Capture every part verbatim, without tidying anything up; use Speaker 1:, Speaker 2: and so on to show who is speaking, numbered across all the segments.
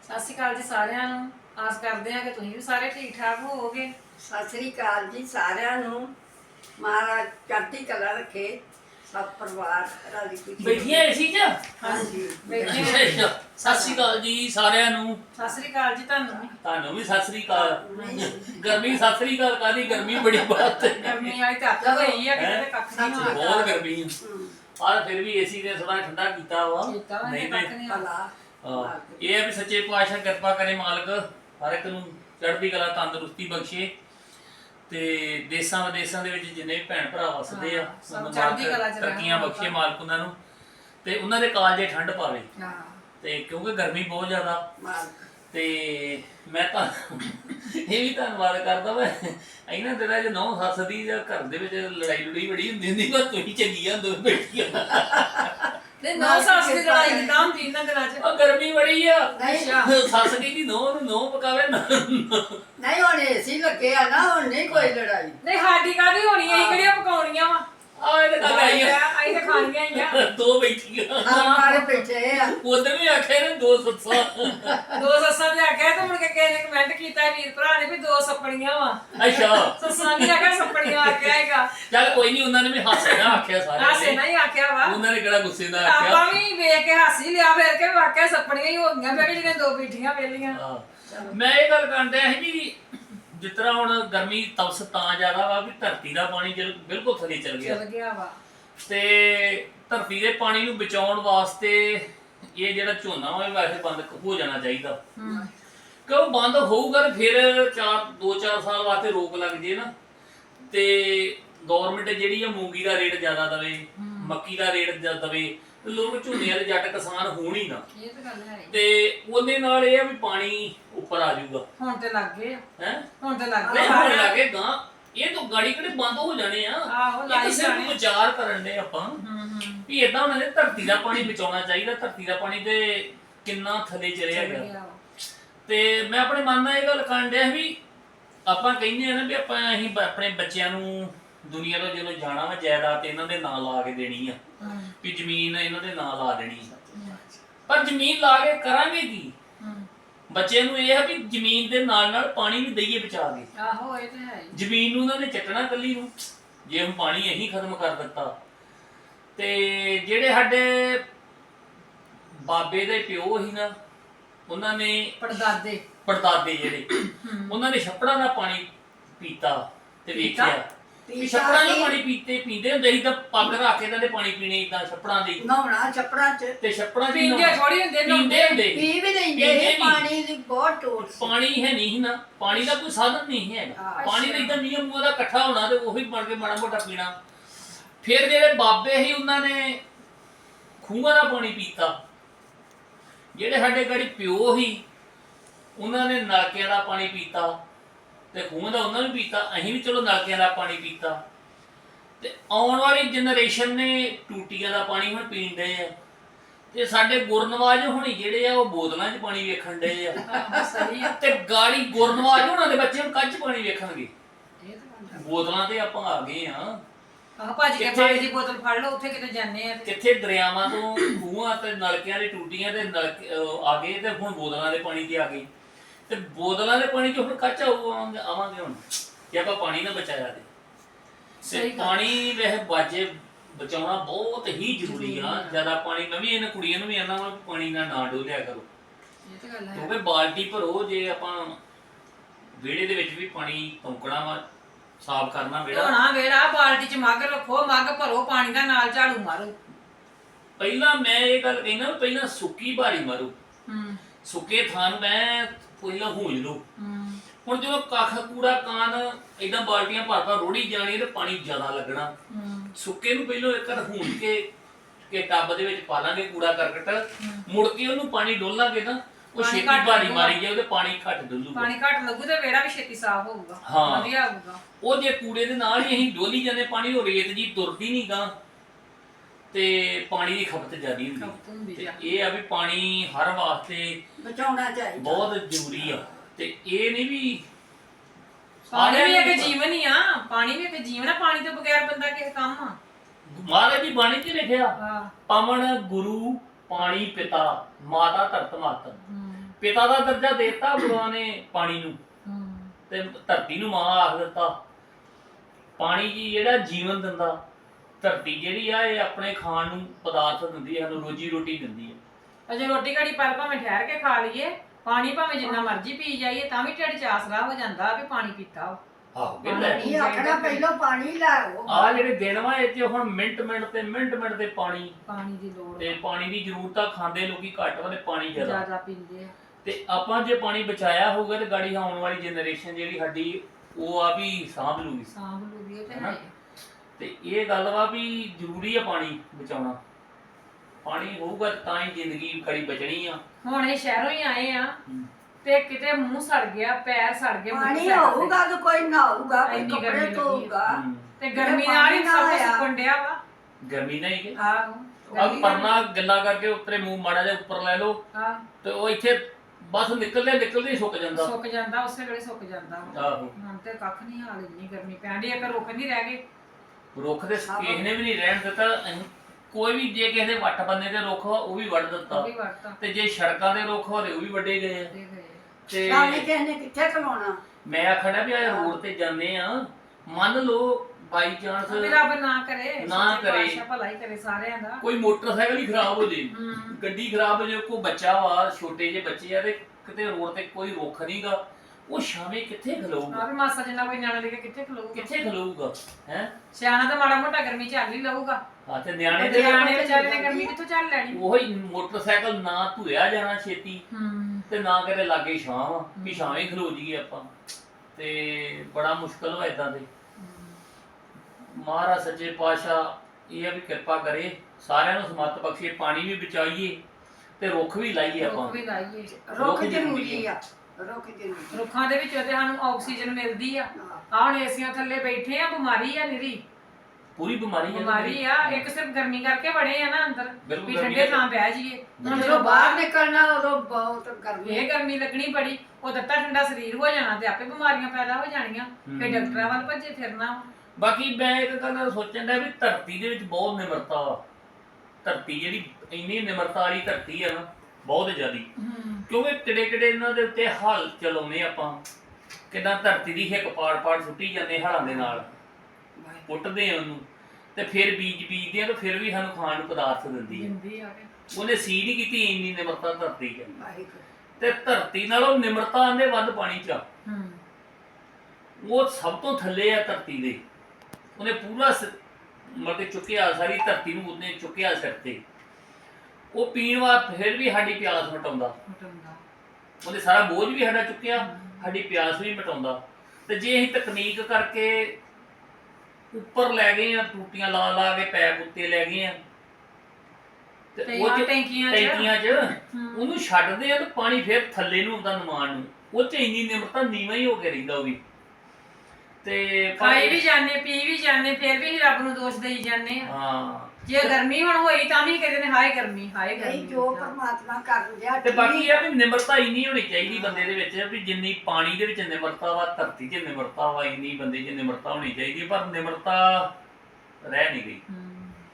Speaker 1: ਸਤਿ ਸ਼੍ਰੀ ਅਕਾਲ ਜੀ ਸਾਰਿਆਂ ਨੂੰ। ਆਸ ਕਰਦੇ ਹਾਂ ਕਿ ਤੁਸੀਂ ਵੀ ਸਾਰੇ ਠੀਕ ਠਾਕ ਹੋਵੋਗੇ।
Speaker 2: ਸਤਿ ਸ੍ਰੀ ਅਕਾਲ ਜੀ ਸਾਰਿਆਂ ਨੂੰ। ਮਹਾਰਾਜ ਚੜ੍ਹਦੀ ਕਲਾ ਰੱਖੇ ਸਭ ਪਰਿਵਾਰ ਰਾਜੀ ਖੁਸ਼ੀ
Speaker 3: ਬੈਠੀਆਂ ਏਸੀ 'ਚ।
Speaker 2: ਹਾਂਜੀ
Speaker 1: ਬੈਠੇ ਹਾਂ।
Speaker 3: ਸਤਿ ਸ਼੍ਰੀ ਅਕਾਲ ਜੀ ਸਾਰਿਆਂ ਨੂੰ।
Speaker 1: ਸਤਿ ਸ਼੍ਰੀ ਅਕਾਲ ਜੀ ਤੁਹਾਨੂੰ ਵੀ।
Speaker 3: ਤੁਹਾਨੂੰ ਵੀ ਸਤਿ ਸ਼੍ਰੀ ਅਕਾਲ। ਗਰਮੀ ਸਤਿ ਸ਼੍ਰੀ ਅਕਾਲ ਕਾਦੀ ਗਰਮੀ ਬੜੀ ਬਾਤ ਹੈ।
Speaker 1: ਗਰਮੀ ਵਾਲੀ ਤਾਂ ਅੱਤ ਹੋਈ ਆ ਕਿਤੇ ਤੇ ਕੱਖ ਨਹੀਂ ਹੋਣਾ।
Speaker 3: ਬਹੁਤ ਗਰਮੀ ਆ। ਆ ਫਿਰ ਵੀ ਏਸੀ ਨੇ ਥੋੜਾ ਠੰਡਾ ਕੀਤਾ ਵਾ।
Speaker 1: ਕੀਤਾ ਵਾ,
Speaker 3: ਨਹੀਂ
Speaker 1: ਕੱਖ
Speaker 3: ਤੇ
Speaker 1: ਨਹੀਂ ਹੋਣਾ।
Speaker 2: ਭਲਾ
Speaker 3: ਹਾਂ, ਇਹ ਹੈ ਵੀ ਸੱਚੇ ਪਾਤਸ਼ਾਹ ਕਿਰਪਾ ਕਰੇ ਮਾਲਕ, ਹਰ ਇੱਕ ਨੂੰ ਚੜ੍ਹਦੀ ਕਲਾ ਤੰਦਰੁਸਤੀ ਬਖਸ਼ੇ ਤੇ ਦੇਸਾਂ ਵਿਦੇਸਾਂ ਦੇ ਵਿੱਚ ਜਿੰਨੇ ਵੀ ਭੈਣ ਭਰਾ ਵਸਦੇ ਆ
Speaker 1: ਹਾਂ, ਸਭ
Speaker 3: ਉਹਨਾਂ
Speaker 1: ਚੜ੍ਹਦੀ
Speaker 3: ਮਾਲਕ
Speaker 1: ਕਲਾ 'ਚ ਰਹਿਣ
Speaker 3: ਤਰੱਕੀਆਂ
Speaker 1: ਮਾਲਕ।
Speaker 3: ਬਖਸ਼ੇ ਮਾਲਕ ਉਹਨਾਂ ਨੂੰ ਤੇ ਉਹਨਾਂ ਦੇ ਕਾਲਜੇ ਠੰਡ ਪਾਵੇ।
Speaker 1: ਹਾਂ
Speaker 3: ਤੇ ਕਿਉਂਕਿ ਗਰਮੀ ਬਹੁਤ ਜ਼ਿਆਦਾ
Speaker 2: ਮਾਲਕ
Speaker 3: ਤੇ ਮੈਂ ਤਾਂ ਇਹ ਵੀ ਧੰਨਵਾਦ ਕਰਦਾ ਮੈਂ ਇਹਨਾਂ ਦਿਨਾਂ 'ਚ ਨੌ ਸੱਸ ਦੀ ਜਾਂ ਘਰ ਦੇ ਵਿੱਚ ਲੜਾਈ ਲੜੀ ਬੜੀ ਹੁੰਦੀ ਹੁੰਦੀ ਪਰ ਤੁਸੀਂ ਚੰਗੀਆਂ ਦੋ ਬੈਠੀਆਂ।
Speaker 1: ਨਹੀਂ ਨੌ ਸੱਸ ਦੀ ਲੜਾਈ ਕਿਦਾਂ ਹੁੰਦੀ ਇਹਨਾਂ ਦਿਨਾਂ 'ਚ?
Speaker 3: ਉਹ ਗਰਮੀ ਬੜੀ ਆ।
Speaker 2: ਨਹੀਂ
Speaker 3: ਸੱਸ ਕਹਿੰਦੀ ਨੌ ਨੂੰ ਨੌ ਪਕਾਵੇ ਨਾ।
Speaker 2: ਨਹੀਂ ਹੁਣ ਏਸੀ ਲੱਗੇ ਆ ਨਾ, ਹੁਣ ਨਹੀਂ ਕੋਈ ਲੜਾਈ।
Speaker 1: ਨਹੀਂ ਸਾਡੀ ਕਾਹਦੀ ਹੋਣੀ, ਅਸੀਂ ਕਿਹੜੀਆਂ ਪਕਾਉਣੀਆਂ ਵਾ?
Speaker 3: ਆ ਇਹ ਗੱਲ ਆਈ ਆ।
Speaker 1: ਅਸੀਂ ਤਾਂ ਖਾਣੀਆਂ ਹੀ ਆ।
Speaker 3: ਦੋ ਬੈਠੀਆਂ
Speaker 2: ਹਾਂ ਮਾਰੇ ਬੈਠੇ ਆ।
Speaker 3: ਉਧਰ ਵੀ ਆਖਿਆ ਨੇ ਦੋ ਸੱਸਾਂ।
Speaker 1: ਦੋ ਸੱਸਾਂ ਦੇ ਆਖਿਆ ਤੇ ਮੁੜ ਕੇ ਕਿਸੇ ਨੇ ਕਮੈਂਟ ਕੀਤਾ ਵੀਰ ਭਰਾ ਨੇ ਵੀ ਦੋ ਸੱਪਣੀਆਂ ਵਾ।
Speaker 3: ਅੱਛਾ
Speaker 1: ਸੱਸਾਂ ਨੇ ਆਖਿਆ ਸੱਪਣੀਆਂ ਆਖਿਆ ਹੈਗਾ।
Speaker 3: ਚੱਲ ਕੋਈ ਨਹੀਂ, ਉਹਨਾਂ ਨੇ ਵੀ ਹਾਸੇ ਨਾਲ ਆਖਿਆ ਸਾਰਿਆਂ
Speaker 1: ਹਾਸੇ
Speaker 3: ਨੇ।
Speaker 1: ਨਾਲ ਹੀ ਆਖਿਆ ਵਾ।
Speaker 3: ਉਹਨਾਂ ਨੇ ਕਿਹੜਾ ਗੁੱਸੇ ਨਾਲ ਆਖਿਆ।
Speaker 1: ਆਪਾਂ ਵੀ ਵੇਖ ਕੇ ਹਾਸੀ ਲਿਆ ਫਿਰ ਕੇ ਵਾਕਿਆ ਸੱਪਣੀਆਂ ਹੀ ਹੋ ਗਈਆਂ ਫਿਰ ਜਿਹੜੀਆਂ ਦੋ ਬੀਠੀਆਂ ਵੇਲੀਆਂ।
Speaker 3: ਹਾਂ। ਮੈਂ ਇਹ ਗੱਲ ਕਰਨ ਡਿਆ ਸੀ ਵੀ ਜਿਸ ਤਰ੍ਹਾਂ ਹੁਣ ਗਰਮੀ ਤਪਸ ਤਾਂ ਜ਼ਿਆਦਾ ਵਾ ਵੀ ਧਰਤੀ ਦਾ ਪਾਣੀ ਜਦੋਂ ਬਿਲਕੁਲ ਥੱਲੇ ਚਲ ਗਿਆ
Speaker 1: ਚਲ ਗਿਆ ਵਾ
Speaker 3: ਤੇ ਧਰਤੀ ਦੇ ਪਾਣੀ ਨੂੰ ਬਚਾਉਣ ਵਾਸਤੇ ਇਹ ਜਿਹੜਾ ਝੋਨਾ ਵਾ ਇਹ ਵੈਸੇ ਬੰਦ ਹੋ ਜਾਣਾ ਚਾਹੀਦਾ। ਕਿਉਂ ਬੰਦ ਹੋਊਗਾ ਤੇ ਫਿਰ ਚਾਰ ਦੋ ਚਾਰ ਸਾਲ ਵਾਸਤੇ ਰੋਕ ਲੱਗ ਜੇ ਨਾ ਤੇ ਗਵਰਨਮੈਂਟ ਜਿਹੜੀ ਆ ਮੂੰਗੀ ਦਾ ਰੇਟ ਜ਼ਿਆਦਾ ਦਵੇ, ਮੱਕੀ ਦਾ ਰੇਟ ਜ਼ਿਆਦਾ ਦਵੇ ਤੇ ਲੋਕ ਝੋਨੇ ਵਾਲੇ ਜੱਟ ਕਿਸਾਨ ਹੋਣ ਹੀ ਨਾ।
Speaker 1: ਇਹ ਤਾਂ ਗੱਲ ਹੈ।
Speaker 3: ਤੇ ਉਹਦੇ ਨਾਲ ਇਹ ਆ ਵੀ ਪਾਣੀ ਉੱਪਰ ਆ ਜਾਊਗਾ।
Speaker 1: ਹੁਣ ਤੇ ਲੱਗ ਗਏ ਆ।
Speaker 3: ਹੈ
Speaker 1: ਹੁਣ ਤੇ ਲੱਗ
Speaker 3: ਨਹੀਂ
Speaker 1: ਗਏ
Speaker 3: ਹੁਣ ਲੱਗੇ ਗਾਂ ਇਹ ਤਾਂ ਗਾੜੀ ਕਿਹੜੇ ਬੰਦ ਹੋ ਜਾਣੇ ਆ।
Speaker 1: ਆਹੋ,
Speaker 3: ਇਹ
Speaker 1: ਲਾਈ
Speaker 3: ਤਾਂ ਸਿਰਫ
Speaker 1: ਜਾਣੇ।
Speaker 3: ਵਿਚਾਰ ਕਰਨ ਦੇ ਆਪਾਂ
Speaker 1: ਹੂੰ ਹੂੰ
Speaker 3: ਵੀ ਇਦਾਂ ਉਹਨਾਂ ਨੇ ਧਰਤੀ ਦਾ ਪਾਣੀ ਬਚਾਉਣਾ ਚਾਹੀਦਾ। ਧਰਤੀ ਦਾ ਪਾਣੀ ਤੇ ਕਿੰਨਾ ਥੱਲੇ ਚਲਿਆ
Speaker 1: ਚਲ
Speaker 3: ਗਿਆ।
Speaker 1: ਗਿਆ ਵਾ।
Speaker 3: ਤੇ ਮੈਂ ਆਪਣੇ ਮਨ ਨਾਲ ਇਹ ਗੱਲ ਕਰਨ ਡਿਆ ਵੀ ਆਪਾਂ ਕਹਿੰਦੇ ਆ ਨਾ ਵੀ ਆਪਾਂ ਅਸੀਂ ਬ- ਆਪਣੇ ਬੱਚਿਆਂ ਨੂੰ ਦੁਨੀਆ ਤੋਂ ਜਦੋਂ ਜਾਣਾ ਵਾ ਜਾਇਦਾਦ ਇਹਨਾਂ ਦੇ ਨਾਂ ਲਾ ਕੇ ਦੇਣੀ ਆ
Speaker 1: ਹੂੰ
Speaker 3: ਵੀ ਜ਼ਮੀਨ ਇਹਨਾਂ ਦੇ ਨਾਂ ਲਾ ਦੇਣੀ ਆ। ਪਰ ਜ਼ਮੀਨ ਲਾ ਕੇ ਕਰਾਂਗੇ ਕੀ?
Speaker 1: ਹੂੰ
Speaker 3: ਬੱਚਿਆਂ ਨੂੰ ਇਹ ਆ ਵੀ ਜ਼ਮੀਨ ਦੇ ਨਾਲ ਨਾਲ ਪਾਣੀ ਵੀ ਦਈਏ ਬਚਾ ਕੇ।
Speaker 1: ਆਹੋ ਇਹ ਤਾਂ ਹੈ ਹੀ।
Speaker 3: ਜ਼ਮੀਨ ਨੂੰ ਉਹਨਾਂ ਨੇ ਚੱਟਣਾ ਕੱਲੀ ਨੂੰ ਜੇ ਹੁਣ ਪਾਣੀ ਇਹੀ ਖਤਮ ਕਰ ਦਿੱਤਾ ਤੇ ਜਿਹੜੇ ਸਾਡੇ ਬਾਬੇ ਦੇ ਪਿਓ ਸੀ ਨਾ ਉਹਨਾਂ ਨੇ
Speaker 1: ਪੜਦਾਦੇ
Speaker 3: ਪੜਦਾਦੇ ਜਿਹੜੇ ਉਹਨਾਂ ਨੇ ਛੱਪੜਾਂ ਦਾ ਪਾਣੀ ਪੀਤਾ ਤੇ
Speaker 1: ਪੀਤਾ?
Speaker 3: ਵੇਖਿਆ ਵੀ ਛੱਪੜਾਂ ਦਾ ਪਾਣੀ ਪੀਤੇ ਪੀਂਦੇ ਹੁੰਦੇ ਸੀ ਤਾਂ ਪੱਗ ਰੱਖ ਕੇ ਇਹਨਾਂ ਦੇ ਪਾਣੀ ਪੀਣੇ ਇਦਾਂ ਛੱਪੜਾਂ ਦੀ
Speaker 2: ਨਹਾਉਣਾ ਛੱਪੜਾਂ 'ਚ
Speaker 3: ਤੇ ਛੱਪੜਾਂ ਦੀ
Speaker 1: ਪੀਂਦੇ ਥੋੜੀ ਹੁੰਦੇ
Speaker 3: ਪੀਂਦੇ
Speaker 1: ਨਹਾਉਂਦੇ।
Speaker 3: ਹੁੰਦੇ
Speaker 2: ਪੀ ਵੀ ਲੈਂਦੇ
Speaker 3: ਪੀਂਦੇ
Speaker 2: ਸੀ,
Speaker 3: ਨਹੀਂ।
Speaker 2: ਪਾਣੀ ਦੀ ਬਹੁਤ ਟੋਟ ਸੀ।
Speaker 3: ਪਾਣੀ ਹੈ ਨਹੀਂ ਸੀ ਨਾ, ਪਾਣੀ ਦਾ ਕੋਈ ਸਾਧਨ ਨਹੀਂ ਸੀ ਹੈਗਾ।
Speaker 2: ਹਾਂ,
Speaker 3: ਪਾਣੀ ਦਾ ਇਦਾਂ ਨਿਯਮ ਮੂੰਹ ਦਾ ਇਕੱਠਾ ਹੋਣਾ ਤੇ ਉਹੀ ਬਣ ਕੇ ਮਾੜਾ ਮੋਟਾ ਪੀਣਾ। ਫਿਰ ਜਿਹੜੇ ਬਾਬੇ ਸੀ ਉਹਨਾਂ ਨੇ ਖੂਹਾਂ ਦਾ ਪਾਣੀ ਪੀਤਾ। ਜਿਹੜੇ ਸਾਡੇ ਗੜੀ ਪਿਓ ਸੀ ਉਹਨਾਂ ਨੇ ਨਲਕਿਆਂ ਦਾ ਪਾਣੀ ਪੀਤਾ ਤੇ ਖੂਹਾਂ ਦਾ ਉਹਨਾਂ ਨੇ ਪੀਤਾ। ਅਸੀਂ ਵੀ ਚਲੋ ਨਲਕਿਆਂ ਦਾ ਪਾਣੀ ਪੀਤਾ ਤੇ ਆਉਣ ਵਾਲੀ ਜਨਰੇਸ਼ਨ ਨੇ ਟੂਟੀਆਂ ਦਾ ਪਾਣੀ ਹੁਣ ਪੀਣ ਡਏ ਆ ਤੇ ਸਾਡੇ ਗੁਰਨਵਾਜ ਹੁਣੀ ਜਿਹੜੇ ਆ ਉਹ ਬੋਤਲਾਂ 'ਚ ਪਾਣੀ ਵੇਖਣ ਡਏ ਆ।
Speaker 1: ਆਹੋ, ਸਹੀ ਆ।
Speaker 3: ਤੇ ਗਾੜੀ ਗੁਰਨਵਾਜ ਹੋਣਾ ਦੇ ਬੱਚੇ ਹੁਣ ਕੱਚ ਪਾਣੀ ਵੇਖਣਗੇ।
Speaker 1: ਇਹ ਤਾਂ ਗੱਲ ਹੈ।
Speaker 3: ਬੋਤਲਾਂ ਤੇ ਆਪਾਂ ਆ ਗਏ ਆ।
Speaker 1: ਆਹ ਭੱਜ ਕੇ
Speaker 3: ਕਿੱਥੇ?
Speaker 1: ਪਾਣੀ ਦੀ ਬੋਤਲ ਫੜ ਲਓ, ਉੱਥੇ ਕਿਤੇ ਜਾਂਦੇ ਆ ਤੇ
Speaker 3: ਕਿੱਥੇ ਦਰਿਆਵਾਂ ਤੋਂ ਖੂਹਾਂ ਤੇ ਨਲਕਿਆਂ ਦੀ ਟੂਟੀਆਂ ਤੇ ਨਲਕੇ ਅਹ ਆ ਗਏ ਤੇ ਹੁਣ ਬੋਤਲਾਂ ਦੇ ਪਾਣੀ ਤੇ ਆ ਗਏ ਤੇ ਬੋਤਲਾਂ ਦੇ ਪਾਣੀ 'ਚ ਹੁਣ ਕੱਚ ਆਵਾਂਗੇ ਆਵਾਂਗੇ ਹੁਣ ਜੇ ਆਪਾਂ ਪਾਣੀ ਨਾ ਬਚਾਇਆ ਤੇ।
Speaker 1: ਸਹੀ
Speaker 3: ਤੇ
Speaker 1: ਗੱਲ।
Speaker 3: ਪਾਣੀ ਵੈਸੇ ਬਾਜੇ ਬਚਾਉਣਾ ਬਹੁਤ ਹੀ ਜ਼ਰੂਰੀ ਆ। ਜ਼ਿਆਦਾ ਪਾਣੀ ਮੈਂ ਵੀ ਇਹਨਾਂ ਕੁੜੀਆਂ ਨੂੰ ਵੀ ਆਨਾ ਵਾ ਪਾਣੀ ਨਾਲ ਨਾ ਡੋਲਿਆ ਕਰੋ
Speaker 1: ਇਹ ਤਾਂ ਗੱਲ ਹੈ।
Speaker 3: ਕਿਉਂਕਿ ਬਾਲਟੀ ਭਰੋ। ਜੇ ਆਪਾਂ ਵਿਹੜੇ ਦੇ ਵਿੱਚ ਵੀ ਪਾਣੀ ਪੌਂਕਣਾ ਵਾ, ਸਾਫ਼ ਕਰਨਾ ਵਿਹੜਾ,
Speaker 1: ਧੋਣਾ ਵੇੜਾ, ਬਾਲਟੀ 'ਚ ਮੱਗ ਰੱਖੋ, ਮੱਗ ਭਰੋ ਪਾਣੀ ਦਾ, ਨਾਲ ਝਾੜੂ ਮਾਰੋ।
Speaker 3: ਪਹਿਲਾਂ ਮੈਂ ਇਹ ਗੱਲ ਕਹਿਣਾ ਪਹਿਲਾਂ ਸੁੱਕੀ ਭਾਰੀ ਮਾਰੋ।
Speaker 1: ਹੂੰ
Speaker 3: ਸੁੱਕੇ ਥਾਂ ਨੂੰ ਮੈਂ ਪਹਿਲਾਂ ਹੂੰਜ ਲਓ।
Speaker 1: ਹੂੰ
Speaker 3: ਹੁਣ ਜਦੋਂ ਕੱਖ ਕੂੜਾ ਕਾਨ ਏਦਾਂ ਬਾਲਟੀਆਂ ਭਰ ਭਰ ਰੋੜੀ ਜਾਣੀ ਤੇ ਪਾਣੀ ਜ਼ਿਆਦਾ ਲੱਗਣਾ।
Speaker 1: ਹੂੰ
Speaker 3: ਸੁੱਕੇ ਨੂੰ ਪਹਿਲਾਂ ਇੱਕ ਵਾਰ ਹੂੰਜ ਕੇ ਕਿ ਟੱਬ ਦੇ ਵਿੱਚ ਪਾ ਲਾਂਗੇ ਕੂੜਾ ਕਰਕਟ, ਮੁੜ ਕੇ ਉਹਨੂੰ ਪਾਣੀ ਡੋਲਾਂਗੇ ਨਾ ਉਹ
Speaker 1: ਪਾਣੀ
Speaker 3: ਛੇਤੀ
Speaker 1: ਘੱਟ
Speaker 3: ਭਾਰੀ
Speaker 1: ਲੱਗੂਗਾ।
Speaker 3: ਮਾਰੀ ਜਾਏ ਉਹਦੇ ਪਾਣੀ ਘੱਟ ਡੁੱਲੂਗਾ।
Speaker 1: ਪਾਣੀ ਘੱਟ ਲੱਗੂ ਤੇ ਵੇੜਾ ਵੀ ਛੇਤੀ ਸਾਫ਼ ਹੋਊਗਾ,
Speaker 3: ਹਾਂ।
Speaker 1: ਵਧੀਆ ਹੋਊਗਾ।
Speaker 3: ਉਹ ਜੇ ਕੂੜੇ ਦੇ ਨਾਲ ਹੀ ਅਸੀਂ ਡੋਲੀ ਜਾਂਦੇ ਪਾਣੀ ਉਹ ਰੇਤ ਜੀ ਤੁਰਦੀ ਨਹੀਂ ਗਾ ਤੇ ਪਾਣੀ ਦੀ ਖਪਤ ਜ਼ਿਆਦੀ
Speaker 1: ਖਪਤ ਹੁੰਦੀ
Speaker 3: ਹੁੰਦੀ। ਤੇ
Speaker 1: ਆ।
Speaker 3: ਇਹ ਆ ਵੀ ਪਾਣੀ ਹਰ ਵਾਸਤੇ
Speaker 2: ਬਚਾਉਣਾ ਚਾਹੀਦਾ।
Speaker 3: ਬਹੁਤ ਜ਼ਰੂਰੀ ਆ ਤੇ ਇਹ ਨਹੀਂ ਵੀ
Speaker 1: ਪਾਣੀ ਵੀ ਇੱਕ ਜੀਵਨ ਹੀ ਆ। ਪਾਣੀ ਵੀ ਇੱਕ ਜੀਵਨ ਆ। ਪਾਣੀ ਤੋਂ ਬਗੈਰ ਬੰਦਾ ਕਿਸੇ ਕੰਮ ਆ।
Speaker 3: ਮਹਾਰਾਜ ਦੀ ਬਾਣੀ 'ਚ ਲਿਖਿਆ
Speaker 1: ਹਾਂ
Speaker 3: ਪਵਨ ਗੁਰੂ ਪਾਣੀ ਪਿਤਾ ਮਾਤਾ ਧਰਤ ਮਤ। ਪਿਤਾ ਦਾ ਦਰਜਾ ਦੇਤਾ ਗੁਰੂਆਂ ਨੇ ਪਾਣੀ ਨੂੰ,
Speaker 1: ਹੂੰ
Speaker 3: ਤੇ ਧਰਤੀ ਨੂੰ ਮਾਂ ਆਖ ਦਿੱਤਾ। ਪਾਣੀ ਜੀ ਜਿਹੜਾ ਜੀਵਨ ਦਿੰਦਾ, ਧਰਤੀ ਜਿਹੜੀ ਆ ਇਹ ਆਪਣੇ ਖਾਣ ਨੂੰ ਪਦਾਰਥ ਦਿੰਦੀ ਹੈ, ਸਾਨੂੰ ਰੋਜੀ ਰੋਟੀ ਦਿੰਦੀ ਹੈ।
Speaker 1: ਅਜੇ ਰੋਟੀ ਘੜੀ ਪਰ ਭਾਵੇਂ ਠਹਿਰ ਕੇ ਖਾ ਲਈਏ, ਪਾਣੀ ਭਾਵੇਂ ਜਿੰਨਾ ਮਰਜ਼ੀ ਪੀ ਜਾਈਏ ਤਾਂ ਵੀ ਢਿੱਡ ਚ ਆਸਰਾ ਹੋ ਜਾਂਦਾ ਵੀ ਪਾਣੀ ਪੀਤਾ ਹੋ।
Speaker 3: ਆਹੋ
Speaker 2: ਪਾਣੀ ਆਖਣਾ ਪਹਿਲਾਂ ਪਾਣੀ ਲਾਓ।
Speaker 3: ਆ ਜਿਹੜੇ ਦਿਨ ਵਾ ਇਹ 'ਚ ਹੁਣ ਮਿੰਟ ਮਿੰਟ ਤੇ ਮਿੰਟ ਮਿੰਟ ਤੇ ਪਾਣੀ
Speaker 1: ਪਾਣੀ ਦੀ ਲੋੜ
Speaker 3: ਤੇ ਪਾਣੀ ਦੀ ਜ਼ਰੂਰਤ ਆ, ਖਾਂਦੇ ਲੋਕੀ ਘੱਟ ਵਾ ਤੇ ਪਾਣੀ ਜ਼ਿਆਦਾ।
Speaker 1: ਜ਼ਿਆਦਾ ਪੀਂਦੇ ਆ।
Speaker 3: ਤੇ ਆਪਾਂ ਜੇ ਪਾਣੀ ਬਚਾਇਆ ਹੋਊਗਾ ਤੇ ਗਾੜੀ ਆਉਣ ਵਾਲੀ ਜਨਰੇਸ਼ਨ ਜਿਹੜੀ ਸਾਡੀ ਉਹ ਆ ਵੀ ਸਾਂਭ ਲੂਗੀ।
Speaker 1: ਸਾਂਭ ਲੂਗੀ ਉਹ ਤੇ
Speaker 3: ਹਨਾ?
Speaker 1: ਹੈ।
Speaker 3: ਤੇ ਇਹ ਗੱਲ ਵਾ ਵੀ ਜ਼ਰੂਰੀ ਆ ਪਾਣੀ ਬਚਾਉਣਾ। ਪਾਣੀ ਹੋਊਗਾ ਤਾਂ ਹੀ ਜ਼ਿੰਦਗੀ ਖੜੀ ਬਚਣੀ ਆ।
Speaker 1: ਹੁਣ ਇਹ ਸ਼ਹਿਰੋਂ ਹੀ ਆਏ ਆ
Speaker 3: ਹਮ।
Speaker 1: ਤੇ ਕਿਤੇ ਮੂੰਹ ਸੜ ਗਿਆ, ਪੈਰ ਸੜ ਗਏ
Speaker 2: ਪਾਣੀ
Speaker 1: ਮੋਟਰਸਾਈਕਲ ਤੇ।
Speaker 2: ਹੋਊਗਾ ਤਾਂ ਕੋਈ ਨਹਾਊਗਾ, ਕੋਈ
Speaker 1: ਇੰਨੀ
Speaker 2: ਕੱਪੜੇ
Speaker 1: ਗਰਮੀ
Speaker 2: ਧੋਊਗਾ।
Speaker 3: ਹਮ।
Speaker 1: ਤੇ ਗਰਮੀ ਨਾਲ ਹੀ ਸਭ ਕੁਝ
Speaker 2: ਆਇਆ।
Speaker 1: ਸੁੱਕਣ ਡਿਆ ਵਾ।
Speaker 3: ਗਰਮੀ ਨਹੀਂ ਕਿ
Speaker 1: ਆਹੋ
Speaker 3: ਅਬ ਪਰਨਾ ਗੱਲਾਂ ਕਰਕੇ ਉੱਤਰੇ ਮੂੰਹ ਮਾੜਾ ਜਿਹਾ ਉੱਪਰ ਲੈ ਲਓ
Speaker 1: ਹਾਂ
Speaker 3: ਤੇ ਉਹ ਇੱਥੇ ਬਸ ਨਿਕਲਦੇ ਨਿਕਲਦੇ ਹੀ ਸੁੱਕ ਜਾਂਦਾ।
Speaker 1: ਸੁੱਕ ਜਾਂਦਾ, ਉਸੇ ਵੇਲੇ ਸੁੱਕ ਜਾਂਦਾ ਵਾ।
Speaker 3: ਆਹੋ
Speaker 1: ਹੁਣ ਤੇ ਕੱਖ ਨਹੀਂ ਹਾਲ, ਇੰਨੀ ਗਰਮੀ ਪੈਂਦੀ ਆ, ਰੁੱਖ ਨਹੀਂ ਰਹਿ ਗਏ।
Speaker 3: ਰੁੱਖ ਤੇ ਕਿਸੇ ਨੇ ਵੀ ਨਹੀਂ ਰਹਿਣ ਦਿੱਤਾ। ਅਸੀਂ- ਕੋਈ ਵੀ ਜੇ ਕਿਸੇ ਦੇ ਵੱਟ ਬੰਨੇ ਤੇ ਰੁੱਖ ਵਾ ਉਹ ਵੀ ਵੱਢ ਦਿੱਤਾ,
Speaker 1: ਉਹ ਵੀ ਵਰਤਾ
Speaker 3: ਤੇ ਜੇ ਸੜਕਾਂ ਦੇ ਰੁੱਖ ਹੋਰੇ ਉਹ ਵੀ ਵੱਢੇ ਗਏ ਆ।
Speaker 1: ਦੇ ਗਏ।
Speaker 3: ਤੇ
Speaker 2: ਸ਼ਾਮੀ ਕਿਸੇ ਨੇ ਕਿੱਥੇ ਖਲੋਣਾ।
Speaker 3: ਮੈਂ ਆਖਣਾ ਵੀ ਆ ਰੋਡ ਤੇ ਜਾਂਦੇ ਆ, ਮੰਨ ਲਓ ਬਾਈ ਚਾਂਸ
Speaker 1: ਵੀ ਰੱਬ ਨਾ ਕਰੇ,
Speaker 3: ਨਾ
Speaker 1: ਸੱਚੇ
Speaker 3: ਕਰੇ।
Speaker 1: ਪਾਤਸ਼ਾਹ ਭਲਾ ਹੀ ਕਰੇ ਸਾਰਿਆਂ ਦਾ।
Speaker 3: ਕੋਈ ਮੋਟਰਸਾਈਕਲ ਹੀ ਖਰਾਬ ਹੋ ਜੇ,
Speaker 1: ਹਮ।
Speaker 3: ਗੱਡੀ ਖਰਾਬ ਹੋ ਜੇ, ਕੋਈ ਬੱਚਾ ਵਾ, ਛੋਟੇ ਜਿਹੇ ਬੱਚੇ ਆ ਤੇ ਕਿਤੇ ਰੋਡ ਤੇ ਕੋਈ ਰੁੱਖ ਨਹੀਂਗਾ, ਉਹ ਸ਼ਾਮੇ ਕਿੱਥੇ
Speaker 1: ਆ
Speaker 3: ਖਲੋਊਗਾ?
Speaker 1: ਵੀ ਮਾਸਾ ਜਿੰਨਾ ਕੋਈ ਨਿਆਣਾ ਲੈ ਕੇ ਕਿੱਥੇ ਖਲੋਊਗਾ?
Speaker 3: ਕਿੱਥੇ ਖਲੋਊਗਾ ਹੈ?
Speaker 1: ਸਿਆਣਾ ਤਾਂ ਮਾੜਾ ਮੋਟਾ ਗਰਮੀ ਚੱਲ ਹੀ ਲਊਗਾ,
Speaker 3: ਹਾਂ ਤੇ ਨਿਆਣੇ ਦੇ
Speaker 1: ਨਿਆਣੇ ਵਿਚਾਰੇ ਨੇ ਗਰਮੀ ਕਿੱਥੋਂ ਚੱਲ ਲੈਣੀ?
Speaker 3: ਉਹੀ ਮੋਟਰਸਾਈਕਲ ਨਾ ਧੁਇਆ ਜਾਣਾ ਛੇਤੀ
Speaker 1: ਹੂੰ
Speaker 3: ਤੇ ਨਾ ਕਿਤੇ ਲਾਗੇ ਛਾਂ ਵਾ ਵੀ ਛਾਵੇਂ ਖਲੋ ਜਾਈਏ ਆਪਾਂ, ਤੇ ਬੜਾ ਮੁਸ਼ਕਲ ਵਾ ਇਦਾਂ ਦੇ। ਮਹਾਰਾਜ ਸੱਚੇ ਪਾਤਸ਼ਾਹ ਇਹ ਆ ਵੀ ਕਿਰਪਾ ਕਰੇ, ਸਾਰਿਆਂ ਨੂੰ ਸਮੱਤ ਬਖਸ਼ੇ, ਪਾਣੀ ਵੀ ਬਚਾਈਏ ਤੇ ਰੁੱਖ ਵੀ ਲਾਈਏ ਆਪਾਂ।
Speaker 1: ਰੁੱਖ ਵੀ ਲਾਈਏ।
Speaker 2: ਰੁੱਖ ਜ਼ਰੂਰੀ ਆ, ਰੁੱਖ ਜ਼ਰੂਰੀ।
Speaker 1: ਰੁੱਖਾਂ ਦੇ ਵਿੱਚੋਂ ਤੇ ਸਾਨੂੰ ਆਕਸੀਜਨ ਮਿਲਦੀ ਆ। ਆਹ ਹੁਣ ਏਸੀਆਂ ਥੱਲੇ ਬੈਠੇ ਆ, ਬਿਮਾਰੀ ਆ ਨਿਰੀ
Speaker 3: ਪੂਰੀ ਬਿਮਾਰੀ ਹੈ
Speaker 1: ਬਿਮਾਰੀ ਆ। ਇੱਕ ਸਿਰਫ ਗਰਮੀ ਕਰਕੇ ਬੜੇ ਆ ਨਾ ਅੰਦਰ
Speaker 3: ਬਿਲਕੁਲ
Speaker 1: ਵੀ
Speaker 3: ਗਰਮੀ
Speaker 1: ਠੰਡੇ
Speaker 3: ਕਰਕੇ।
Speaker 1: ਥਾਂ ਬਹਿ ਜਾਈਏ। ਹੁਣ
Speaker 2: ਜਦੋਂ ਬਾਹਰ ਨਿਕਲਣਾ ਉਦੋਂ ਬਹੁਤ ਗਰਮੀ।
Speaker 1: ਇਹ ਗਰਮੀ ਲੱਗਣੀ ਬੜੀ, ਉਹ ਦਿੱਤਾ ਠੰਡਾ ਸਰੀਰ ਹੋ ਜਾਣਾ ਤੇ ਆਪੇ ਬਿਮਾਰੀਆਂ ਪੈਦਾ ਹੋ ਜਾਣੀਆਂ, ਫਿਰ ਡਾਕਟਰਾਂ ਵੱਲ ਭੱਜੇ ਫਿਰਨਾ।
Speaker 3: ਬਾਕੀ ਮੈਂ ਇੱਕ ਗੱਲ ਸੋਚਣ ਦਾ ਵੀ ਧਰਤੀ ਦੇ ਵਿੱਚ ਬਹੁਤ ਨਿਮਰਤਾ ਵਾ। ਧਰਤੀ ਜਿਹੜੀ ਇੰਨੀ ਨਿਮਰਤਾ ਵਾਲੀ ਧਰਤੀ ਆ ਨਾ, ਬਹੁਤ ਜ਼ਿਆਦੀ। ਕਿਉਂਕਿ ਕਿਡੇ ਕਿਡੇ ਇਹਨਾਂ ਦੇ ਉੱਤੇ ਹਲ ਚਲਾਉਨੇ ਆਪਾਂ, ਕਿੱਦਾਂ ਧਰਤੀ ਦੀ ਹਿੱਕ ਪਾੜ ਪਾੜ ਸੁੱਟੀ ਜਾਂਦੇ ਹਲਾਂ ਦੇ ਨਾਲ, ਪੁੱਟਦੇ ਆ ਉਹਨੂੰ ਤੇ ਫਿਰ ਬੀਜ ਬੀਜਦੇ ਆ ਤੇ ਫਿਰ ਵੀ ਸਾਨੂੰ ਖਾਣ ਨੂੰ ਪਦਾਰਥ ਦਿੰਦੀ ਹੈ।
Speaker 1: ਜਿੰਦੀ ਆ ਕੇ
Speaker 3: ਉਹਨੇ ਸੀ ਨਹੀਂ ਕੀਤੀ ਇੰਨੀ ਨਿਮਰਤਾ ਧਰਤੀ 'ਚ,
Speaker 2: ਵਾਹਿਗੁਰੂ।
Speaker 3: ਤੇ ਧਰਤੀ ਨਾਲੋਂ ਨਿਮਰਤਾ ਆਂਦੇ ਵੱਧ ਪਾਣੀ 'ਚ ਆ।
Speaker 1: ਹੂੰ
Speaker 3: ਉਹ ਸਭ ਤੋਂ ਥੱਲੇ ਆ ਧਰਤੀ ਦੇ। ਉਹਨੇ ਪੂਰਾ ਸ- ਮਤਲਬ ਕਿ ਚੁੱਕਿਆ, ਸਾਰੀ ਧਰਤੀ ਨੂੰ ਉਹਨੇ ਚੁੱਕਿਆ ਸਿਰ ਤੇ। ਉਹ ਪੀਣ ਵਾਸਤੇ ਫਿਰ ਵੀ ਸਾਡੀ ਪਿਆਸ ਮਿਟਾਉਂਦਾ,
Speaker 1: ਹਟਾਉਂਦਾ।
Speaker 3: ਉਹਨੇ ਸਾਰਾ ਬੋਝ ਵੀ ਸਾਡਾ ਚੁੱਕਿਆ, ਸਾਡੀ ਪਿਆਸ ਵੀ ਮਿਟਾਉਂਦਾ। ਤੇ ਜੇ ਅਸੀਂ ਤਕਨੀਕ ਕਰਕੇ ਉੱਪਰ ਲੈ ਗਏ ਆ, ਟੂਟੀਆਂ ਲਾ ਲਾ ਕੇ ਪੈਪ ਉੱਤੇ ਲੈ ਗਏ ਆ, ਤੇ
Speaker 1: ਤੇ
Speaker 3: ਉਹ
Speaker 1: ਆਹ
Speaker 3: ਚ
Speaker 1: ਟੈਂਕੀਆਂ 'ਚ
Speaker 3: ਟੈਂਕੀਆਂ 'ਚ ਉਹਨੂੰ ਛੱਡਦੇ ਆ ਤੇ ਪਾਣੀ ਫਿਰ ਥੱਲੇ ਨੂੰ ਆਉਂਦਾ ਨਿਮਾਣ ਨੂੰ। ਉਹ 'ਚ ਇੰਨੀ ਨਿਮਰਤਾ ਨੀਵਾਂ ਹੀ ਹੋ ਕੇ ਰਹਿੰਦਾ ਉਹ ਵੀ। ਤੇ
Speaker 1: ਖਾਈ ਵੀ ਜਾਂਦੇ, ਪੀ ਵੀ ਜਾਂਦੇ, ਫਿਰ ਵੀ ਅਸੀਂ ਰੱਬ ਨੂੰ ਦੋਸ਼ ਦੇਈ ਜਾਂਦੇ ਆ।
Speaker 3: ਹਾਂ
Speaker 1: ਜੇ ਗਰਮੀ ਹੁਣ ਹੋਈ ਤਾਂ ਵੀ ਕਹਿੰਦੇ ਨੇ ਹਾਏ ਗਰਮੀ, ਹਾਏ
Speaker 2: ਨਹੀਂ,
Speaker 1: ਗਰਮੀ।
Speaker 2: ਜੋ ਪਰਮਾਤਮਾ ਕਰ ਦਿਆ
Speaker 3: ਤੇ ਬਾਕੀ ਇਹ ਆ ਵੀ ਨਿਮਰਤਾ ਇੰਨੀ ਹੋਣੀ ਚਾਹੀਦੀ ਬੰਦੇ ਦੇ ਵਿੱਚ ਵੀ ਜਿੰਨੀ ਪਾਣੀ ਦੇ ਵਿੱਚ ਨਿਮਰਤਾ ਵਾ, ਧਰਤੀ 'ਚ ਨਿਮਰਤਾ ਵਾ, ਇੰਨੀ ਬੰਦੇ 'ਚ ਨਿਮਰਤਾ ਹੋਣੀ ਚਾਹੀਦੀ। ਪਰ ਨਿਮਰਤਾ ਰਹਿ ਨਹੀਂ ਗਈ।
Speaker 1: ਹੂੰ।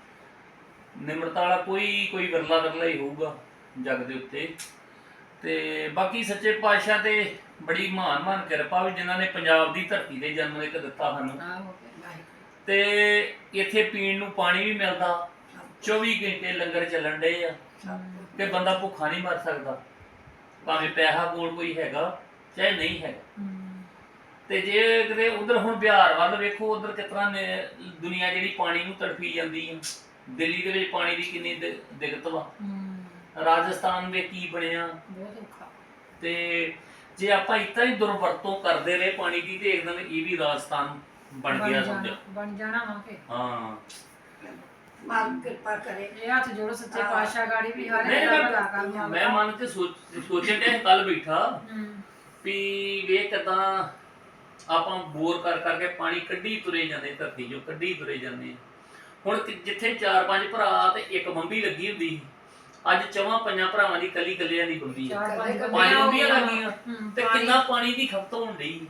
Speaker 3: ਨਿਮਰਤਾ ਵਾਲਾ ਕੋਈ ਕੋਈ ਵਿਰਲਾ ਵਿਰਲਾ ਹੀ ਹੋਊਗਾ ਜੱਗ ਦੇ ਉੱਤੇ। ਤੇ ਬਾਕੀ ਸੱਚੇ ਪਾਤਸ਼ਾਹ ਤੇ ਬੜੀ ਮਹਾਨ ਮਹਾਨ ਕਿਰਪਾ ਵੀ ਜਿਨ੍ਹਾਂ ਨੇ ਪੰਜਾਬ ਦੀ ਧਰਤੀ ਤੇ ਜਨਮ ਇੱਕ ਦਿੱਤਾ ਸਾਨੂੰ,
Speaker 1: ਆਹੋ।
Speaker 3: ਤੇ ਇੱਥੇ ਪੀਣ ਨੂੰ ਪਾਣੀ ਵੀ ਮਿਲਦਾ, ਚੌਵੀ ਘੰਟੇ ਲੰਗਰ ਚੱਲਣ ਡਏ ਆ, ਤੇ ਬੰਦਾ ਭੁੱਖਾ ਨਹੀਂ ਮਰ ਸਕਦਾ ਭਾਵੇਂ ਪੈਸਾ ਕੋਲ ਕੋਈ ਹੈਗਾ ਚਾਹੇ ਨਹੀਂ ਹੈਗਾ।
Speaker 1: ਹੂੰ।
Speaker 3: ਤੇ ਜੇ ਕਿਤੇ ਉਧਰ ਹੁਣ ਬਿਹਾਰ ਵੱਲ ਵੇਖੋ, ਉਧਰ ਕਿਸ ਤਰ੍ਹਾਂ ਨੇ ਦੁਨੀਆ ਜਿਹੜੀ ਪਾਣੀ ਨੂੰ ਤੜਫੀ ਜਾਂਦੀ ਹੈ। ਦਿੱਲੀ ਦੇ ਵਿੱਚ ਪਾਣੀ ਦੀ ਕਿੰਨੀ ਦਿ- ਦਿੱਕਤ ਵਾ,
Speaker 1: ਹੂੰ।
Speaker 3: ਰਾਜਸਥਾਨ ਵਿੱਚ ਕੀ ਬਣਿਆ।
Speaker 1: ਬਹੁਤ ਔਖਾ।
Speaker 3: ਤੇ ਜੇ ਆਪਾਂ ਇਤਾਂ ਹੀ ਦੁਰਵਰਤੋਂ ਕਰਦੇ ਰਹੇ ਪਾਣੀ ਦੀ ਤੇ ਇੱਕਦਮ ਇਹ ਵੀ ਰਾਜਸਥਾਨ ਬਣ ਗਿਆ ਸਮਝੋ।
Speaker 1: ਜਾਣਾ- ਬਣ ਜਾਣਾ ਵਾ ਕੇ।
Speaker 3: ਹਾਂ
Speaker 2: ਮਾਲਕ ਕਿਰਪਾ ਕਰੇ।
Speaker 1: ਇਹ ਹੱਥ ਜੋੜੋ ਸੱਚੇ ਪਾਤਸ਼ਾਹ ਗਾੜੀ ਵੀ ਹਰ
Speaker 3: ਨਹੀਂ
Speaker 1: ਇੱਕ ਦਾ ਭਲਾ
Speaker 3: ਮੈਂ
Speaker 1: ਕਰਨਾ।
Speaker 3: ਮੈਂ ਮਨ ਤੇ ਸੋਚ ਸੋਚਣ ਡਿਆ ਕੱਲ ਬੈਠਾ
Speaker 1: ਹੂੰ।
Speaker 3: ਵੀ ਵੇਖ ਕਿਦਾਂ ਆਪਾਂ ਬੋਰ ਕਰ ਕਰਕੇ ਪਾਣੀ ਕੱਢੀ ਤੁਰੇ ਜਾਂਦੇ, ਧਰਤੀ ਚੋਂ ਕੱਢੀ ਤੁਰੇ ਜਾਂਦੇ। ਹੁਣ ਕਿ- ਜਿੱਥੇ ਚਾਰ ਪੰਜ ਭਰਾ ਤੇ ਇੱਕ ਬੰਬੀ ਲੱਗੀ ਹੁੰਦੀ ਸੀ, ਅੱਜ ਚੌਵਾਂ ਪੰਜਾਂ ਭਰਾਵਾਂ ਦੀ ਕੱਲੀ ਕੱਲਿਆਂ ਦੀ ਬੰਬੀ ਆ।
Speaker 1: ਚਾਰ ਪੰਜ
Speaker 3: ਪੰਜ
Speaker 1: ਬੰਬੀਆਂ ਹੋ
Speaker 3: ਬੰਬੀਆਂ
Speaker 1: ਗਈਆਂ।
Speaker 3: ਲੱਗੀਆਂ
Speaker 1: ਹੂੰ,
Speaker 3: ਤੇ
Speaker 1: ਪਾਣੀ-
Speaker 3: ਕਿੰਨਾ ਪਾਣੀ ਦੀ ਖਪਤ ਹੋਣ ਡਈ।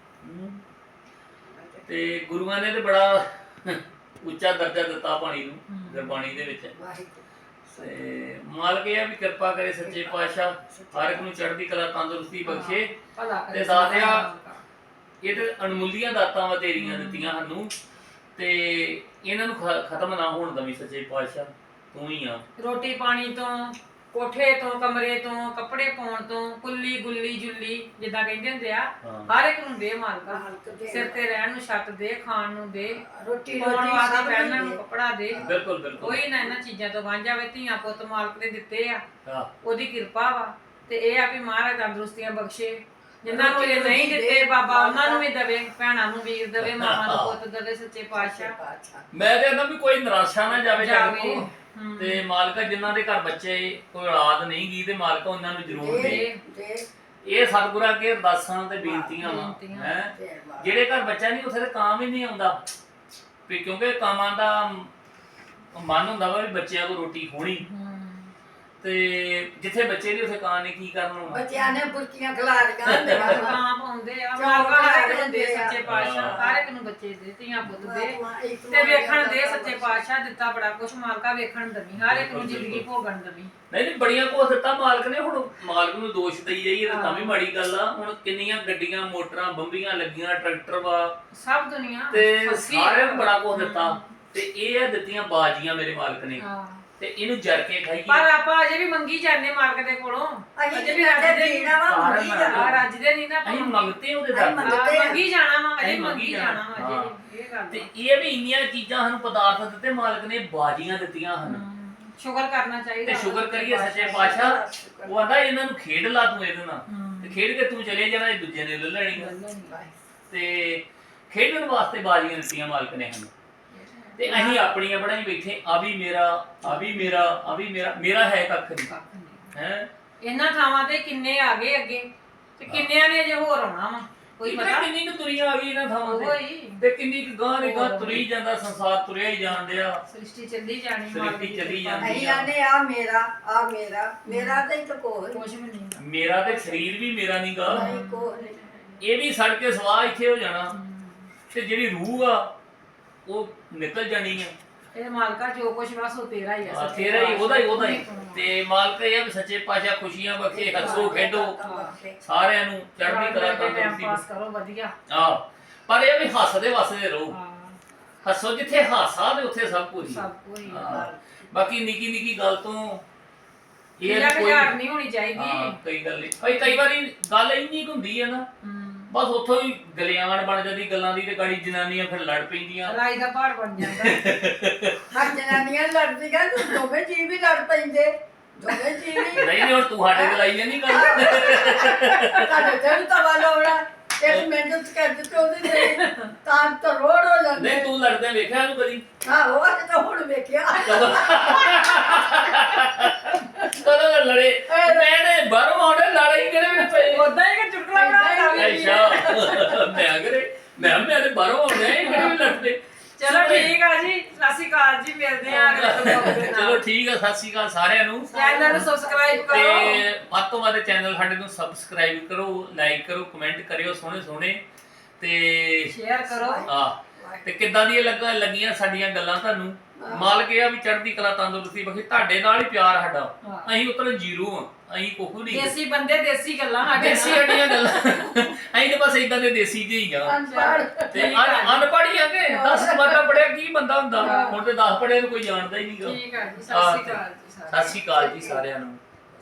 Speaker 3: ਤੇ ਗੁਰੂਆਂ ਨੇ ਤੇ ਬੜਾ ਉੱਚਾ ਦਰਜਾ ਦਿੱਤਾ ਪਾਣੀ ਨੂੰ
Speaker 1: ਹੂੰ।
Speaker 3: ਗੁਰਬਾਣੀ ਦੇ ਵਿੱਚ।
Speaker 2: ਵਾਹਿਗੁਰੂ।
Speaker 3: ਤੇ ਮਾਲਕ ਇਹ ਆ ਵੀ ਕਿਰਪਾ ਕਰੇ ਸੱਚੇ ਪਾਤਸ਼ਾਹ ਹਰ ਇੱਕ ਨੂੰ ਚੜ੍ਹਦੀ ਕਲਾ ਤੰਦਰੁਸਤੀ ਬਖਸ਼ੇ
Speaker 1: ਭਲਾ
Speaker 3: ਤੇ ਦਾਤਿਆ ਇਹ ਤੇ ਅਣਮੁੱਲੀਆਂ ਦਾਤਾਂ ਵਾ ਤੇਰੀਆਂ ਦਿੱਤੀਆਂ ਸਾਨੂੰ ਤੇ ਇਹਨਾਂ ਨੂੰ ਖ- ਖਤਮ ਨਾ ਹੋਣ ਦਵੀਂ ਸੱਚੇ ਪਾਤਸ਼ਾਹ ਤੂੰ ਹੀ ਆ।
Speaker 1: ਰੋਟੀ ਪਾਣੀ ਤੋਂ, ਕੋਠੇ ਤੋਂ, ਕਮਰੇ ਤੋਂ, ਕੱਪੜੇ ਪਾਉਣ ਤੋਂ, ਕੁੱਲੀ ਗੁੱਲੀ ਜੁੱਲੀ ਜਿੱਦਾਂ ਕਹਿੰਦੇ ਹੁੰਦੇ ਆ,
Speaker 3: ਹਾਂ।
Speaker 1: ਹਰ ਇੱਕ ਨੂੰ ਦੇ ਮਾਲਕਾ।
Speaker 2: ਮਾਲਕ ਦੇ।
Speaker 1: ਸਿਰ ਤੇ ਰਹਿਣ ਨੂੰ ਛੱਤ ਦੇ, ਖਾਣ ਨੂੰ ਦੇ,
Speaker 2: ਰੋਟੀ
Speaker 1: ਪਾਉਣ
Speaker 2: ਰੋਟੀ
Speaker 1: ਵਾਸਤੇ
Speaker 2: ਸਭ
Speaker 1: ਪਹਿਨਣ
Speaker 2: ਨੂੰ
Speaker 1: ਨੂੰ
Speaker 2: ਦੇ।
Speaker 1: ਕੱਪੜਾ ਦੇ।
Speaker 3: ਬਿਲਕੁਲ ਬਿਲਕੁਲ
Speaker 1: ਕੋਈ ਨਾ ਇਹਨਾਂ ਚੀਜ਼ਾਂ ਤੋਂ ਵਾਂਝਾ ਵੇ। ਧੀਆਂ ਪੁੱਤ ਮਾਲਕ ਨੇ ਦਿੱਤੇ ਆ,
Speaker 3: ਹਾਂ
Speaker 1: ਉਹਦੀ ਕਿਰਪਾ ਵਾ। ਤੇ ਇਹ ਆ ਵੀ ਮਹਾਰਾਜ ਤੰਦਰੁਸਤੀਆਂ ਬਖਸ਼ੇ। ਜਿਨ੍ਹਾਂ ਨੂੰ ਇਹ
Speaker 2: ਰੋਟੀ
Speaker 1: ਨਹੀਂ
Speaker 2: ਦੇ,
Speaker 1: ਦਿੱਤੇ ਬਾਬਾ ਉਹਨਾਂ ਨੂੰ ਵੀ
Speaker 2: ਮਾਲਕਾ।
Speaker 1: ਦੇਵੇ, ਭੈਣਾਂ ਨੂੰ ਵੀਰ ਦੇਵੇ, ਮਾਵਾਂ ਨੂੰ ਪੁੱਤ ਦੇਵੇ ਸੱਚੇ ਪਾਤਸ਼ਾਹ।
Speaker 2: ਪਾਤਸ਼ਾਹ।
Speaker 3: ਮੈਂ ਤੇ ਕਹਿੰਦਾ ਵੀ ਕੋਈ ਨਿਰਾਸ਼ਾ ਨਾ ਜਾਵੇ ਜਗ
Speaker 1: ਜਾਵੇ।
Speaker 3: ਤੋਂ
Speaker 1: ਹਮ।
Speaker 3: ਤੇ ਮਾਲਕਾ ਜਿਨ੍ਹਾਂ ਦੇ ਘਰ ਬੱਚੇ ਕੋਈ ਔਲਾਦ ਨਹੀਂ ਗਈ ਤੇ ਮਾਲਕਾ ਉਹਨਾਂ ਨੂੰ ਜ਼ਰੂਰ ਦੇ।
Speaker 2: ਦੇ ਦੇ
Speaker 3: ਇਹ ਸਤਿਗੁਰਾਂ ਅੱਗੇ ਅਰਦਾਸਾਂ ਤੇ ਬੇਨਤੀਆਂ ਵਾ
Speaker 1: ਬੇਨਤੀਆਂ।
Speaker 3: ਹੈ
Speaker 2: ਦੇ ਮਾਲਕ।
Speaker 3: ਜਿਹੜੇ ਘਰ ਬੱਚਾ ਨਹੀਂ ਉੱਥੇ ਤੇ ਕਾਮ ਹੀ ਨਹੀਂ ਆਉਂਦਾ ਵੀ ਕਿਉਂਕਿ ਕਾਮਾਂ ਦਾ ਮਨ ਹੁੰਦਾ ਵਾ ਵੀ ਬੱਚਿਆਂ ਕੋਲ ਰੋਟੀ ਹੋਣੀ
Speaker 1: ਹਮ।
Speaker 3: ਤੇ ਜਿੱਥੇ ਬੱਚੇ ਨਹੀਂ ਉੱਥੇ ਕਾਂ ਨੇ ਕੀ ਕਰਨਾ ਹੋਣਾ।
Speaker 2: ਬੱਚਿਆਂ ਨੇ ਬੁਰਕੀਆਂ ਖਿਲਾਰੀਆਂ ਹੁੰਦੀਆਂ ਵਾ।
Speaker 1: ਕਾਂ ਪਾਉਂਦੇ ਆ
Speaker 2: ਚੌਲ
Speaker 1: ਮਾਲਕਾ ਹਰ ਇੱਕ ਨੂੰ ਦੇ
Speaker 2: ਖਾਂਦੇ ਆ।
Speaker 1: ਸੱਚੇ ਪਾਤਸ਼ਾਹ।
Speaker 3: ਹਾਂ।
Speaker 1: ਹਰ ਇੱਕ ਨੂੰ ਬੱਚੇ ਦੇ, ਧੀਆਂ ਪੁੱਤ ਦੇ
Speaker 2: ਇੱਕ
Speaker 1: ਤੇ ਵੇਖਣ
Speaker 2: ਵਾਰ
Speaker 1: ਦੇ ਸੱਚੇ ਪਾਤਸ਼ਾਹ। ਦਿੱਤਾ ਬੜਾ ਕੁਛ ਮਾਲਕਾ, ਵੇਖਣ ਦਵੀਂ ਹਰ ਇੱਕ ਨੂੰ ਜ਼ਿੰਦਗੀ ਭੋਗਣ ਦਵੀਂ।
Speaker 3: ਨਹੀਂ ਨਹੀਂ ਬੜੀਆਂ ਕੁਛ ਦਿੱਤਾ ਮਾਲਕ ਨੇ। ਹੁਣ ਮਾਲਕ ਨੂੰ ਦੋਸ਼ ਦੇਈ ਜਾਈਏ ਤਾਂ ਤਾਂ ਵੀ ਮਾੜੀ ਗੱਲ ਆ। ਹੁਣ ਕਿੰਨੀਆਂ ਗੱਡੀਆਂ ਮੋਟਰਾਂ ਬੰਬੀਆਂ ਲੱਗੀਆਂ, ਟਰੈਕਟਰ ਵਾ
Speaker 1: ਸਭ ਦੁਨੀਆ
Speaker 3: ਤੇ
Speaker 1: ਫਸੀ
Speaker 3: ਸਾਰਿਆਂ ਨੂੰ
Speaker 1: ਆ।
Speaker 3: ਬੜਾ ਕੁਛ ਦਿੱਤਾ ਤੇ ਇਹ ਆ ਦਿੱਤੀਆਂ ਬਾਜੀਆਂ ਮੇਰੇ ਮਾਲਕ ਨੇ
Speaker 1: ਹਾਂ।
Speaker 3: ਤੇ ਇਹਨੂੰ ਜਰ ਕੇ ਖਾਈਏ।
Speaker 1: ਪਰ ਆਪਾਂ ਅਜੇ ਵੀ ਮੰਗੀ ਜਾਂਦੇ ਮਾਲਕ ਦੇ ਕੋਲੋਂ।
Speaker 2: ਅਸੀਂ
Speaker 1: ਅਜੇ ਵੀ
Speaker 2: ਵੀ
Speaker 1: ਰੱਜਦੇ
Speaker 2: ਰੱਜਦੇ ਜੀਣਾ ਵਾ
Speaker 3: ਸਾਰਾ
Speaker 2: ਮੰਗੀ
Speaker 3: ਮੈਂ-
Speaker 2: ਜਾਣਾ।
Speaker 1: ਆ ਰੱਜਦੇ ਨਹੀਂ ਨਾ ਆਪਾਂ।
Speaker 3: ਅਸੀਂ ਮੰਗਤੇ ਉਹਦੇ
Speaker 2: ਅਸੀਂ
Speaker 3: ਦਰ
Speaker 2: ਮੰਗਤੇ
Speaker 3: ਤੇ।
Speaker 1: ਹਾਂ,
Speaker 2: ਆ।
Speaker 1: ਮੰਗੀ ਜਾਣਾ ਵਾ, ਅਜੇ
Speaker 3: ਅਸੀਂ
Speaker 1: ਮੰਗੀ
Speaker 3: ਮੰਗੀ
Speaker 1: ਜਾਣਾ ਵਾ
Speaker 3: ਹਾਂ।
Speaker 1: ਅਜੇ ਵੀ। ਇਹ ਗੱਲ
Speaker 3: ਤੇ
Speaker 1: ਆ।
Speaker 3: ਇਹ ਵੀ ਇੰਨੀਆਂ ਚੀਜ਼ਾਂ ਸਾਨੂੰ ਪਦਾਰਥ ਦਿੱਤੇ ਮਾਲਕ ਨੇ, ਬਾਜੀਆਂ ਦਿੱਤੀਆਂ ਹਨ।
Speaker 1: ਹਮ, ਸ਼ੁਕਰ ਕਰਨਾ ਚਾਹੀਦਾ।
Speaker 3: ਤੇ ਸ਼ੁਕਰ ਕਰੀਏ ਸੱਚੇ ਪਾਤਸ਼ਾਹ। ਉਹ ਆਂਦਾ ਇਹਨਾਂ ਨੂੰ ਖੇਡ ਲਾ ਤੂੰ ਇਹਦੇ ਨਾਲ
Speaker 1: ਹਮ।
Speaker 3: ਤੇ ਖੇਡ ਕੇ ਤੂੰ ਚਲੇ ਜਾਣਾ, ਇਹ ਦੂਜੇ ਨੇ ਲੈ ਲੈਣੀ ਆ।
Speaker 1: ਹਾਂ।
Speaker 3: ਤੇ ਖੇਡਣ ਵਾਸਤੇ ਬਾਜੀਆਂ ਦਿੱਤੀਆਂ ਮਾਲਕ ਨੇ ਸਾਨੂੰ ਤੇ ਅਸੀਂ ਆਪਣੀਆਂ ਬਣਾਈ ਬੈਠੇ। ਆ ਵੀ ਮੇਰਾ, ਆ ਵੀ ਮੇਰਾ, ਆ ਵੀ ਮੇਰਾ। ਮੇਰਾ ਹੈ ਕੱਖ ਨਹੀਂ ਹੈ।
Speaker 1: ਇਹਨਾਂ ਥਾਵਾਂ ਤੇ ਕਿੰਨੇ ਆ ਗਏ ਅੱਗੇ ਤੇ ਕਿੰਨਿਆਂ ਨੇ ਜੇ ਹੋਰ ਆਉਣਾ ਵਾ, ਕੋਈ ਪਤਾ
Speaker 3: ਕਿੰਨੀ ਕੁ ਦੁਨੀਆ ਆ ਗਈ ਇਹਨਾਂ ਥਾਵਾਂ
Speaker 1: ਉਹ
Speaker 3: ਤੇ
Speaker 1: ਹੀ
Speaker 3: ਤੇ ਕਿੰਨੀ ਕੁ ਗਾਂ ਨੇ ਗਾਂ ਤੁਰੀ ਜਾਂਦਾ, ਸੰਸਾਰ ਤੁਰਿਆ ਹੀ ਜਾਣ ਡਿਆ।
Speaker 1: ਸ੍ਰਿਸ਼ਟੀ ਚੱਲੀ ਜਾਣੀ,
Speaker 3: ਸ੍ਰਿਸ਼ਟੀ
Speaker 1: ਮਾਲਕ ਦੀ
Speaker 3: ਚੱਲੀ
Speaker 1: ਕਿਰਪਾ।
Speaker 3: ਜਾਂਦੀ।
Speaker 2: ਅਸੀਂ ਆਨੇ ਆ ਮੇਰਾ ਆ ਮੇਰਾ ਮੇਰਾ ਤੇ ਤਾਂ ਕੋਈ
Speaker 1: ਕੁਛ ਵੀ ਨਹੀਂ।
Speaker 3: ਮੇਰਾ ਤੇ ਸਰੀਰ ਵੀ ਮੇਰਾ ਨਹੀਂ ਗਾ,
Speaker 2: ਨਹੀਂ ਕੋਈ ਨਹੀਂ।
Speaker 3: ਇਹ ਵੀ ਸੜ ਕੇ ਸਵਾਹ ਇੱਥੇ ਹੋ ਜਾਣਾ ਤੇ ਜਿਹੜੀ ਰੂਹ ਆ ਉਹ ਨਿਕਲ ਜਾਣੀ ਆ।
Speaker 1: ਇਹ ਮਾਲਕਾ ਜੋ ਕੁਛ ਬਸ ਉਹ ਤੇਰਾ ਹੀ ਆ।
Speaker 3: ਆ
Speaker 1: ਸੱਚੇ
Speaker 3: ਤੇਰਾ ਹੀ, ਉਹਦਾ ਹੀ, ਉਹਦਾ ਹੀ।
Speaker 1: ਪਾਤਸ਼ਾਹ।
Speaker 3: ਤੇ ਮਾਲਕ ਇਹ ਆ ਵੀ ਸੱਚੇ ਪਾਤਸ਼ਾਹ ਖੁਸ਼ੀਆਂ ਬਖਸ਼ੇ, ਹੱਸੋ ਖੇਡੋ,
Speaker 2: ਬਖਸ਼ੇ।
Speaker 3: ਸਾਰਿਆਂ ਨੂੰ ਚੜ੍ਹਦੀ ਕਲਾ
Speaker 1: ਟਾਈਮ
Speaker 3: ਤੰਦਰੁਸਤੀ
Speaker 1: ਪਾਸ ਕਰੋ ਵਧੀਆ।
Speaker 3: ਆ। ਪਰ ਇਹ ਵੀ ਹੱਸਦੇ ਵਸਦੇ ਰਹੋ।
Speaker 1: ਹਾਂ,
Speaker 3: ਹੱਸੋ, ਜਿੱਥੇ ਹਾਸਾ ਤੇ ਉੱਥੇ ਸਭ ਕੁਝ ਹੀ।
Speaker 1: ਸਭ ਕੋਈ
Speaker 3: ਹਾਂ। ਬਾਕੀ ਨਿੱਕੀ ਨਿੱਕੀ ਗੱਲ ਤੋਂ
Speaker 1: ਇਹ
Speaker 3: ਇਹ ਕੋਈ
Speaker 1: ਹਜ਼ਾਰ ਨਹੀਂ ਹੋਣੀ ਚਾਹੀਦੀ।
Speaker 3: ਹਾਂ, ਕਈ ਗੱਲ ਨਹੀਂ ਭਾਈ, ਕਈ ਵਾਰੀ ਗੱਲ ਇੰਨੀ ਕੁ ਹੁੰਦੀ ਹੈ ਨਾ,
Speaker 1: ਹਮ,
Speaker 3: ਬਸ ਉੱਥੋਂ ਹੀ ਗਲਿਆਣ ਬਣ ਜਾਂਦੀ ਗੱਲਾਂ ਦੀ ਤੇ ਗਾੜੀ ਜਨਾਨੀਆਂ ਫਿਰ ਲੜ ਪੈਂਦੀਆਂ।
Speaker 1: ਰਾਈ ਦਾ ਪਹਾੜ ਬਣ ਜਾਂਦਾ।
Speaker 2: ਹਰ ਜਨਾਨੀਆਂ ਲੜਦੀਆਂ ਤੇ ਦੋਵੇਂ ਜੀ ਵੀ ਲੜ ਪੈਂਦੇ। ਦੋਵੇਂ ਜੀ ਵੀ
Speaker 3: ਨਹੀਂ ਨਹੀਂ ਹੁਣ ਤੂੰ ਸਾਡੇ ਕੋਲ ਆਈ ਨਹੀਂ ਗੱਲ।
Speaker 2: ਤੁਹਾਡੇ ਤੇ ਵੀ ਤਵਾ ਲਾਉਣਾ ਇੱਕ ਮਿੰਟ ਚ ਕਰ ਦਿੱਤੇ ਉਹਦੇ ਤੇ ਤਾਂ ਤਾਂ ਰੋੜ ਹੋ ਜਾਂਦੇ।
Speaker 3: ਨਹੀਂ ਤੂੰ ਲੜਦੇ ਵੇਖਿਆ ਇਹਨੂੰ ਕਦੀ?
Speaker 2: ਹਾਂ ਉਹ ਅਸੀਂ ਤਾਂ ਹੁਣ ਵੇਖਿਆ।
Speaker 3: ਕਦੋਂ ਲੜੇ ਮੈਨੇ ਬਾਹਰੋਂ ਆਉਣੇ ਲੜਾਈ ਕਿਹੜੇ ਵਿੱਚ ਪਏ।
Speaker 1: ਉਦਾਂ ਹੀ ਕਿ ਚੁਟਕਲਾ ਬਣਾਉਂਦਾ ਵੀ।
Speaker 3: ਅੱਛਾ ਮੈਂ ਕਰੇ ਮੈਂ ਮੈਂ ਤੇ ਬਾਹਰੋਂ ਆਉਣੇ ਕਿਹੜੇ ਵੀ ਲੜਦੇ।
Speaker 1: ਚਲੋ ਠੀਕ ਆ ਜੀ, ਸਤਿ ਸ਼੍ਰੀ ਅਕਾਲ ਜੀ, ਮਿਲਦੇ ਆ ਅਗਲੇ ਵਲੋਗ ਦੇ ਨਾਲ।
Speaker 3: ਚਲੋ ਠੀਕ ਆ, ਸਤਿ ਸ਼੍ਰੀ ਅਕਾਲ ਸਾਰਿਆਂ ਨੂੰ।
Speaker 1: ਚੈਨਲ ਨੂੰ ਸਬਸਕ੍ਰਾਈਬ ਕਰੋ।
Speaker 3: ਤੇ ਵੱਧ ਤੋਂ ਵੱਧ ਚੈਨਲ ਸਾਡੇ ਨੂੰ ਸਬਸਕ੍ਰਾਈਬ ਕਰੋ, ਲਾਈਕ ਕਰੋ, ਕਮੈਂਟ ਕਰਿਓ ਸੋਹਣੇ ਸੋਹਣੇ ਤੇ
Speaker 1: ਸ਼ੇਅਰ ਕਰੋ।
Speaker 3: ਆ ਤੇ ਕਿੱਦਾਂ ਦੀਆਂ ਲੱਗਾ ਲੱਗੀਆਂ ਸਾਡੀਆਂ ਗੱਲਾਂ ਤੁਹਾਨੂੰ। ਮਾਲਕ ਇਹ ਆ ਵੀ ਚੜ੍ਹਦੀ ਕਲਾ ਤੰਦਰੁਸਤੀ ਬਖਸ਼ੇ। ਤੁਹਾਡੇ ਨਾਲ ਹੀ ਪਿਆਰ ਸਾਡਾ।
Speaker 1: ਹਾਂ।
Speaker 3: ਅਸੀਂ ਉਤਰ ਜ਼ੀਰੋ ਆ, ਅਸੀਂ ਕੋਕੂ ਨਹੀਂ।
Speaker 1: ਦੇਸੀ ਬੰਦੇ ਦੇਸੀ ਗੱਲਾਂ ਸਾਡੇ
Speaker 3: ਦੇਸੀ ਸਾਡੀਆਂ ਗੱਲਾਂ ਅਸੀਂ ਤਾਂ ਬਸ ਇਦਾਂ ਦੇ ਦੇਸੀ ਜਿਹੇ ਹੀ ਆ।
Speaker 2: ਅਨਪੜ੍ਹ
Speaker 3: ਤੇ ਅਨ ਅਨਪੜ੍ਹ ਹੀ ਆ ਕਿ ਦਸ ਬਾਰਾਂ ਪੜਿਆ ਕੀ ਬੰਦਾ ਹੁੰਦਾ। ਹੁਣ ਤੇ ਦਸ ਪੜਿਆ ਨੂੰ ਕੋਈ ਜਾਣਦਾ ਹੀ ਨਹੀਂਗਾ।
Speaker 1: ਠੀਕ ਆ ਜੀ, ਸਤਿ ਸ਼੍ਰੀ ਅਕਾਲ ਜੀ ਸਾਰਿਆਂ ਨੂੰ।
Speaker 3: ਸਤਿ ਸ਼੍ਰੀ ਅਕਾਲ ਜੀ ਸਾਰਿਆਂ ਨੂੰ।